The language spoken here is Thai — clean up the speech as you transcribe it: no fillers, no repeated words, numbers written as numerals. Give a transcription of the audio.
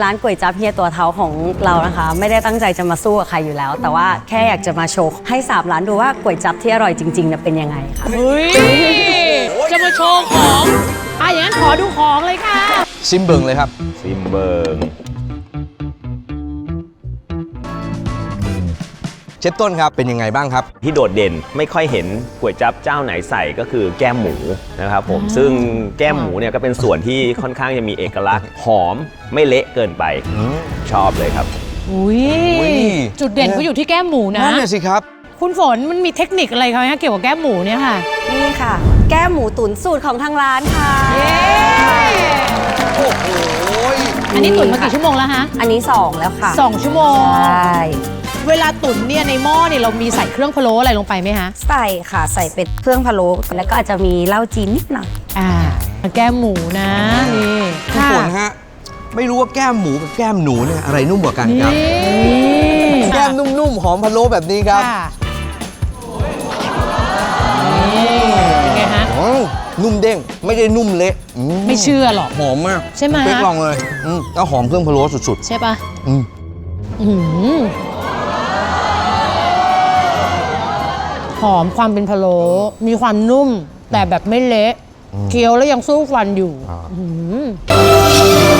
ร้านก๋วยจั๊บเฮียตัวเท้าของเรานะคะไม่ได้ตั้งใจจะมาสู้กับใครอยู่แล้ว แต่ว่าแค่อยากจะมาโชว์ให้3ร้านดูว่าก๋วยจั๊บที่อร่อยจริงๆเป็นยังไงค่ะเฮ้ยจะมาโชว์ของอย่างนั้นขอดูของเลยค่ะซิมเบิงเลยครับซิมเบิงเชฟต้นครับเป็นยังไงบ้างครับที่โดดเด่นไม่ค่อยเห็นก๋วยจั๊บเจ้าไหนใส่ก็คือแก้มหมูนะครับผมซึ่งแก้มหมูเนี่ยก็เป็นส่วนที่ค่อนข้างจะมีเอกลักษณ์หอมไม่เละเกินไปชอบเลยครับอุ้ยจุดเด่นก็อยู่ที่แก้มหมูนะนั่นน่ะสิครับคุณฝนมันมีเทคนิคอะไรคะเกี่ยวกับแก้มหมูเนี่ยค่ะนี่ค่ะ แก้มหมูตุ๋นสูตรของทางร้านค่ะโอ้โหอันนี้ตุ๋นมากี่ชั่วโมงแล้วฮะอันนี้2แล้วค่ะ 2 ชั่วโมงใช่เวลาตุ๋นเนี่ยในหม้อเนี่ยเรามีใส่เครื่องพะโล้อะไรลงไปไหมคะใส่ค่ะใส่เป็ดเครื่องพะโล้แล้วก็อาจจะมีเหล้าจีนนิดหน่อยแก้มหมูนะนี่คุณฝนฮะไม่รู้ว่าแก้มหมูกับแก้มหนูเนี่ยอะไรนุ่มกว่ากันครับ แก้มนุ่มๆหอมพะโล้แบบนี้ครับเป็นไงฮะนุ่มเด้งไม่ได้นุ่มเละไม่เชื่อหรอกหอมมากใช่ไหมเป๊กลองเลยแล้วหอมเครื่องพะโล้สุดใช่ปะๆอืมหอมความเป็นพะโล้มีความนุ่มแต่แบบไม่เละเคี้ยวแล้วยังสู้ฟันอยู่